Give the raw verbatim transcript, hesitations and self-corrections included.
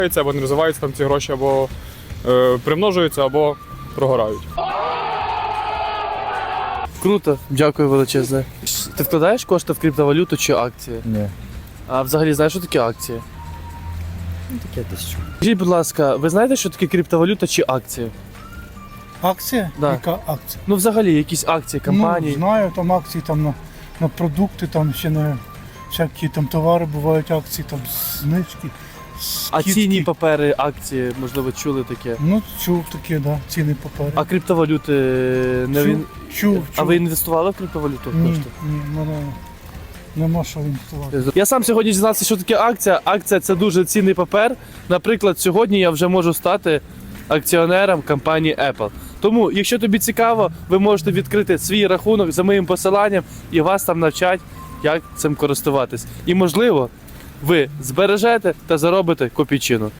або не розвиваються там ці гроші, або е, примножуються, або прогорають. Круто, дякую величезне. Ти вкладаєш кошти в криптовалюту чи акції? Ні. А взагалі знаєш, що таке акції? Ну, таке десь чую. Скажіть, будь ласка, ви знаєте, що таке криптовалюта чи акції? Акція? Да. Яка акція? Ну, взагалі, якісь акції, компанії. Ну, знаю, там акції там на, на продукти, там ще на всякі там товари бувають акції, там знижки, А скидки. цінні папери, акції, можливо, чули таке. Ну, чув таке, да, ціни папери. А криптовалюти не чув, він... чув, чув. А ви інвестували в криптовалюту? Ні, кошти? ні, мене нема що інвестувати. Я сам сьогодні дізнався, що таке акція. Акція – це дуже цінний папер. Наприклад, сьогодні я вже можу стати акціонером компанії Apple. Тому, якщо тобі цікаво, ви можете відкрити свій рахунок за моїм посиланням і вас там навчать, як цим користуватись. І, можливо, ви збережете та заробите копійчину.